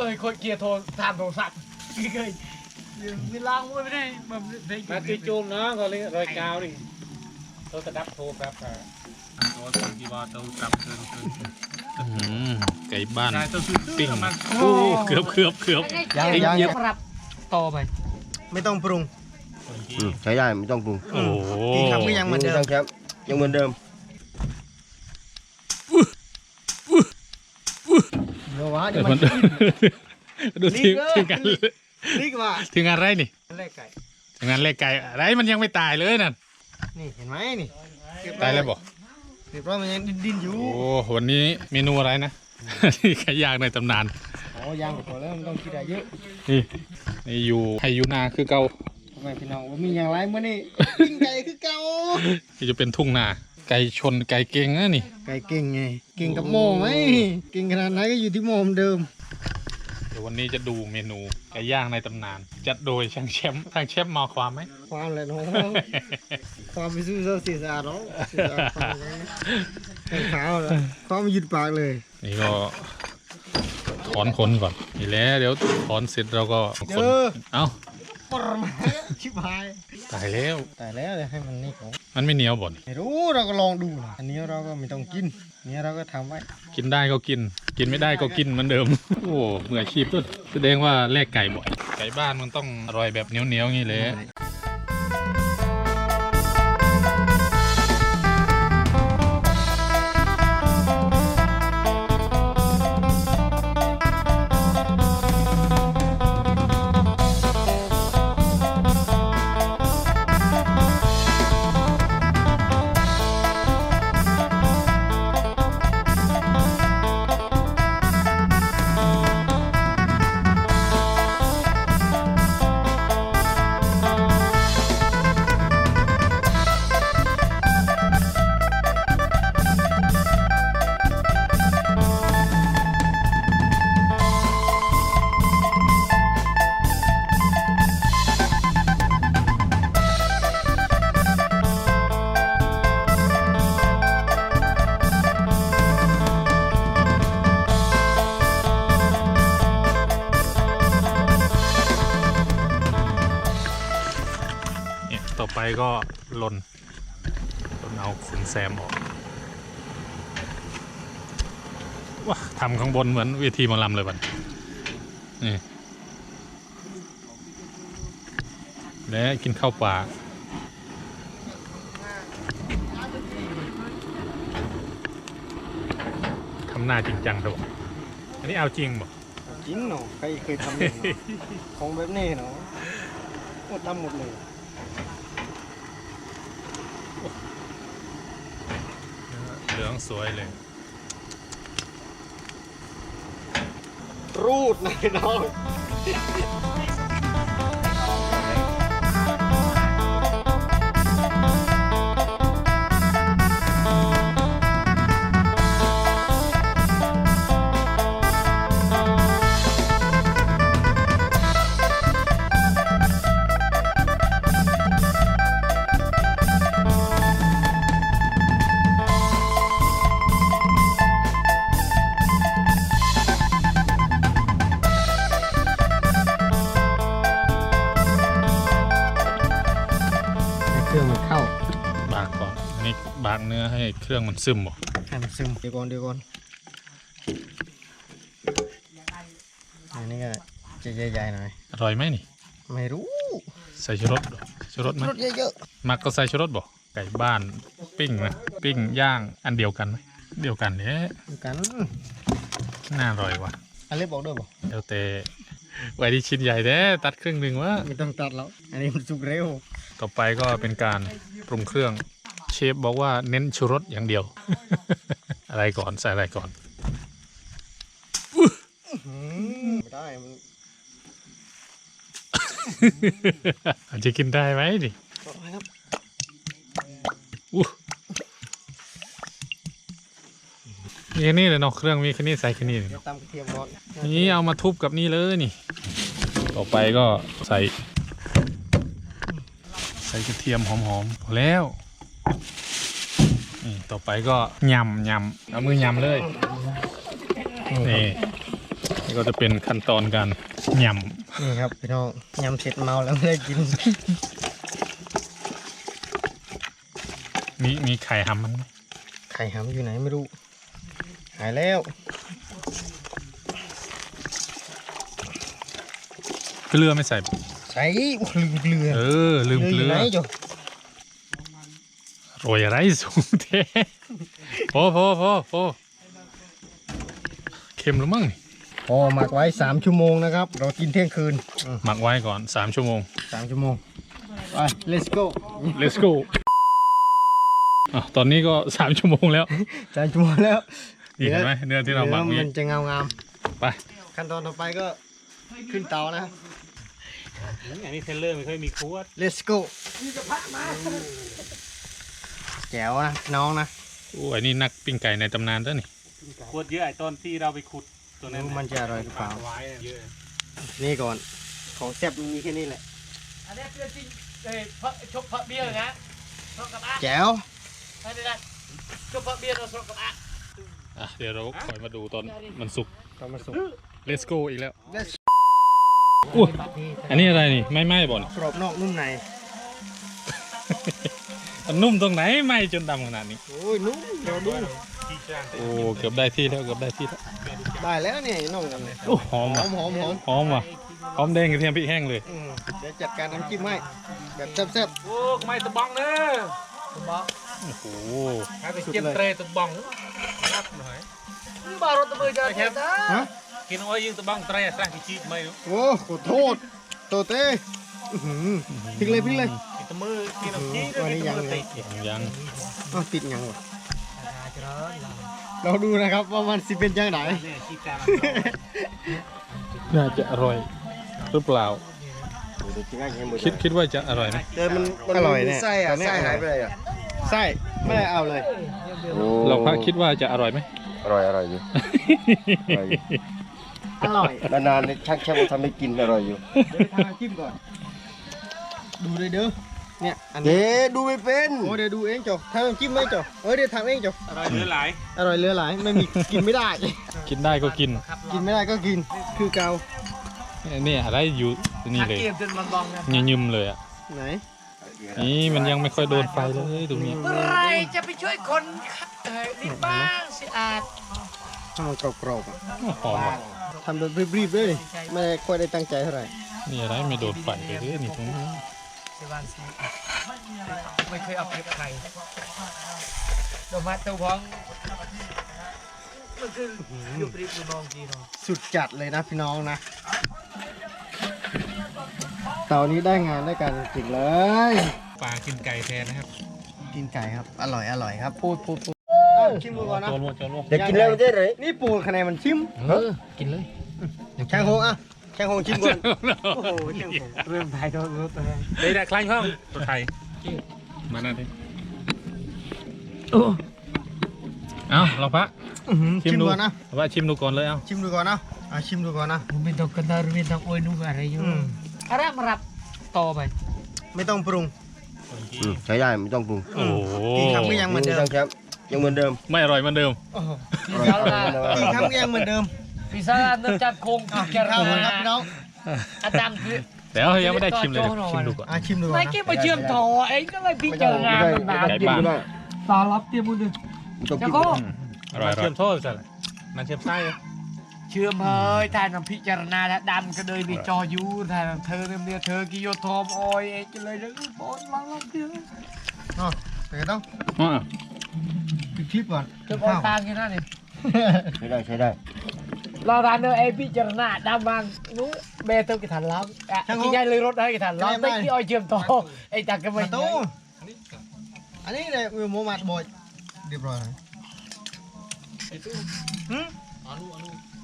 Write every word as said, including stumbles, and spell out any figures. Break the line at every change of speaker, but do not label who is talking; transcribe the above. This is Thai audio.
ยคนเกียร์โทรทำโทรศัพท์เคยมีล้างมือไม่ได้แบบได้กินมาตีจูมเนาะก็เลยรอยกาวดิโทรจะดับโทรครับโทรสั่งที่ว่าโทรกลับเกินเกิน
ไก่บ้านปิ้ง
โอ้
เกือบเกือบเกือบ
ยังยังยังปรับต่อไป
ไม่ต้องปรุง
ใช้ได้ไม่ต้องปรุง
โอ้
กินคำก็ยังเหมือนเดิม
ครับยังเหมือนเดิม
เดี๋ยววะเดี๋ยว
มั
มัน น
ดูทีทีงาน
นี่ว่า
ทีงานไรนี่
แรกไก่
ทีงานเลขไก่อะไรมันยังไม่ตายเลยนั่น
นี่เห็นไหมนี่
ตายแล้วบอก
เรียบร้อยมันยังดิ้นอยู่
โอ้วันนี้เมนูอะไรนะ ที่ไก่ย่างในตำนาน
อ๋อย่างไปก่อนแล้วมันต้องคิดอะไรเยอะ
นี่นี่อยู่ให้ยูนาคือเก่า
ทำไมพี่น้องว่ามีอย่างไรเมื่อนี่ปิ้งไก่คือเก่า
ที่จะเป็นทุ่งนาไก่ชนไก่เก่งนะนี่
ไก่เก่งไงเก่งกับโม่ไหมเก่งขนาดไหนก็อยู่ที่โม่เหมือนเดิม
เดี๋ยววันนี้จะดูเมนูไก่ย่างในตำนาน จัดโดยช่างแชมป์ช่างแชมป์มาความไหม
ความเลยน้องความไปสู้เสื้อสีสะอาดเนาะสีสะอาดความไงแข็งขาวเลยความยืดปากเลย
นี่ก็ถอนขนก่อนนี่แหละเดี๋ยวถอนเสร็จเราก็ขนเอ้า
ปรมาชิบหาย
ตายแล้ว
แต่แล้วเดี๋ยวให้มันนี่ของ
มันไม่เหนียวบ่น
ไม่รู้เราก็ลองดูนะอันนี้เราก็ไม่ต้องกินอันนี้เราก็ทำไว้
กินได้ก็กิน กินไม่ได้ก็กินเหมือนเดิม โอ้มืออาชีพด้วยแสดงว่าแลกไก่บ่อยไก่บ้านมันต้องอร่อยแบบเหนียวเหนียวงี้เลยต่อไปก็ลนลนเอาขนแซมออกว้าทำข้างบนเหมือนเวทีหมอลำเลยบัดนี่และกินข้าวปลาทำหน้าจริงจังครับอันนี้เอาจริงบ่
จริงเนาะใครเคยทำเนี่ยเนาะของแบบนี้เนาะหมดทำหมดเลย
เหลืองสวยเลย
รูดนะน้องเครื่องมันเข้า
บากก่อนนี่บากเนื้อให้เครื่องมันซึมบ่
ให้มันซึมเดี๋ยวก่อนเดี๋ยวก่อนอันนี้ก็จะใหญ่ๆหน่อย
อร่อยไหมนี่
ไม่รู้
ใส่ชูรสชูรสไหม
รสเยอะ
มักก็ใส่ชูรสบ่ไก่บ้านปิ้งนะปิ้งย่างอันเดียวกันไหมเดียวกันเนี่ย
ๆกัน
น่าอร่อยว่ะ
อันเล็กบอกด้วยบ่
เดี๋ยวแต่ไว้ที่ชิ้นใหญ่แท้ตัดครึ่งหนึ่งวะ
ไม่ต้องตัดแล้วอันนี้มันสุกเร็ว
ต่อไปก็เป็นการปรุงเครื่องเชฟบอกว่าเน้นชูรสอย่างเดียว อะไรก่อนใส่อะไรก่อน
ไม่ได้มัน
อาจจะกินได้ไหมดิ
ครับ
อู้มีแค่นี้เลยเนาะเครื่องมีแค่นี้ใส่แค่นี้เลย
เดี๋ยวตำกระเทียมก่อน
นี่เอามาทุบกับนี่เลยนี่ ต่อไปก็ใส่ ใส่กระเทียมหอมๆพอแล้วนี่ต่อไปก็ยำยำเอามือยำเลยนี่นี่ก็ก็จะเป็นขั้นตอนการย
นี่ครับพี่น้องยำเสร็จเมาแล้วไม่ได้กิน
ำมีมีไข่หำมันไหม
ไข่หำอยู่ไหนไม่รู้หายแล้ว
เกลือไม่ใส่
ใส่โอ้ลืมเกลือ
เออลืมเกลื
ยู่
อ
ไหนจ๊ะ
โรยอะไรสูงเทโพโพโพโพเค็มหรือมั้งนี่
พอหมักไว้สามชั่วโมงนะครับ เรากินเที่ยงคืน
หมักไว้ก่อนสามชั่วโมง
สามชั่วโมงไป let's go
let's go อ่ะตอนนี้ก็สามชั่วโมงแล้ว
สามชั่วโมงแล้ว
นี่เห็นไหมเนื้อที่เราหมัก
นื้
นี่
อมันจะเงางาม
ไป
ขั้นตอนต่อไปก็ขึ้นเตานะ
อันนี้เทเลอร์ไม่ค่อยมีขวด
let's go แจ๋วนะน้องนะ
โอ้ยนี่นักปิ้งไก่ในตำนานเด้อนี่
ขวดเยอะไอ้ตอนที่เราไปขุดตัวนั้น
รู้มันจะอร่อยหรือเปล่า
ไว้เยอะ
นี่ก่อนของแซ่บมันมีแค่นี้แหละ
อันนี้คือจริงเอ้ยเพราะชกเพราะเบี้ยนะชกกับอ่ะ
แจ๋ว
ไอ้นี่นะชกเพราะเบี้ยเราชกกับอ่ะ
อ่ะเดี๋ยวเราคอยมาดูตอนมันสุก
ก็มาสุก
let's go อีกแล้ว
let's
อุ้ยอันนี้อะไรนี่ไม่ไหม้บ่อน
กรอบนอกนุ่มใน
มันนุ่มตรงไหนไหม้จนดำขนาดนี้
โอ้ยนุ่มเดี๋ยวดู
โอ้เกือบได้ที่แล้วเกือบได้ที่แล้ว
ได้แล้วเนี่ยน้องกันเลย
โอ้หอม
หอ
ว่ะ
มหอมหอม
หอมว่ะหอมแดงกระเทียมพริกแห้งเลย
อืมเดี๋ยวจัดการน้ำจิ้มให้แบบแซ่บ
โอ้ไม่ตะบังเนอะตะบัง
โอ้โห
ให้ไปเก็บเตรตะบังรับหน่อย
มึงบารถตะมือจะเจ็บนะ
ๆฮะ
กินอ้อยยิงตะบังเตรสร้างกิจิไม่รู้
โอ้ขอโทษโตเต้อื้อหือพลิกเลยพลิกเลย
กินตะมือกินน้ำจีด้ว
วัน
ย
นี้
กิน
ยัง
ตะมือ
ไง
ติด
ยัง
ต้องติดยังวะเราดูนะครับว่ามันสิเป็นยังไง
เนี่ยขี้กา
น่าจะอร่อยหรือเปล่าคิดคิดว่าจะอร่อยไหม
แต่มันมัน
อร่อย
มี
เนี่ย
ไส้อะ
ตอนนี้
ไส้หายไปเลยอะ
ไส้ไม่ได้เอาเลย
เราพระคิดว่าจะอร่อยไหม
อร่อยอร่อยอยู่ อร่อยอยู่
อร่อย
นานๆเนี่ยช่างแค่มาทำให้กินอร่อยอยู่
เดี๋ยวไปทำน้ำจิ้มก่อน ดูเลยเด้อเนี่ยอันนี้
เอ๊ดูไม่เป็น
โอ้เดี๋ยวดูเองจ้ะทำน้ำจิ้มไหมจ้ะเอ้ยเดี๋ยวทำเองจ้ะ
อร่อยเหลือหลาย
อร่อยเหลือหลายไม่มีกินไม่ได้
กินได้ก็กิน
กินไม่ได้ก็กินคือเกา
เนี่ยอะไรอยู่นี่เลย
เกียมจนมันบองนะ
เงี้ยยืมเลยอ่ะ
ไหน
นี่มันยังไม่ค่อยโดนไฟเลยตรงนี้
เมื่อไรจะไปช่วยคนเอ่อนี่บ้างสิอาจ
ทำมันกรอบๆอ่ะ
หอมว่ะ
ทำแบบรีบๆเลยไม่ได้ค่อยได้ตั้งใจเท่าไหร่
นี่อะไรไม่โดนไฟเลยนี่ตรงนี้
สิวันสิไม่เคยเอาเปรียบใครดอกไม้ตัวพ้องมันคืออยู่ปรีบอยู่มองจีเนาะ
สุดจัดเลยนะพี่น้องนะเตานี้ได้งานได้การจริงๆเลย
ปลากินไก่แทนนะครับ
กินไก่ครับอร่อยอร่อยครับพูดพูดพูดชิมดูก่อนนะ
โจรวโจรว
เดี๋ยวกินแล้วมันจะไหน
นี่ปูคะแนนมันชิม
เออกินเลย
แข้งโฮงอ่ะแข้งโฮงชิมก่อนโอ้โหแข้งโฮง
เริ่มไทยตัวรถเลย
ได้ได้คล้ายห้องตัวไทย
มาหน้าดิเอาเราพระ
อื้อหือ
ชิ
ชิ
ม
ม
ดู
ก่อนนะ
ว่าชิมดูก่อนเลยเอา
ชิมดูก่อนนะอ่ะชิมดูก่อนนะ
ไม่ต้องกันดารไม่ต้องโอยนุ่งอะไรอยู่
อืม
อะไรมารับต่อไป
ไม่ต้องปรุง
อืมใช้ได้ไม่ต้องปรุง
โอ้โห
กินคำก็ยังเหมือนเดิม
ช่างแชมป์ยังเหมือนเดิม
ไม่อร่อยเหมือนเดิม
โอ้โห
พิซซ่าลา
กินคำก็ยังเหมือนเดิม
พิซซ่าลาเนื้อจัดโครง
อ่ะ
แก
กิน
ระ
ข้าวก่อน
นา
ครับพี่น้อง
อาจารย์คือ
แต่เรายังไม่ได้ชิมเลยเดี๋ยวชิมดูก่อน
อ่ะชิมดูก่อ
ไม่
นนะ
เก็บมาเชื่อมต่อเองก็เลยพิจารณา
ไม่
มัน
ได้
นาน
ไม่ได้กินไม่ได้
ตารับเตรียมมือหนึ่ง
ไม่ต้อง
แล้
กิ
วน ก็
อืมอร่อยอร่อ
เชื่
ย
อมโทษสิมันเชื่อมไส้
เชื่อมเฮ้ยท่านพิจารณาแล้วดันก็เลยนี่จอยูท่านเธอเนี่ยเธอกิโยทอมออยเองก็เลยแล้วบอลลังลังเดียว
อ๋อแต่ก็ต้อง
อ่ะ
ปิดคลิปก่อน
จะบอลตางกันนั่นนี่
ใช้ได้ใช้ได้
เราทานเนอเอพิจารณาดำบางนู้เบเตอร์กิถันล้างอ่ะกินยายเลยรถให้กิถันล้างไม่กี่ออยเชื่อมต่อไอ้จักรก็ไม่
มาตู้อันนี้เลยวิวโมมัดบอยเรียบร้อยแล้วหืม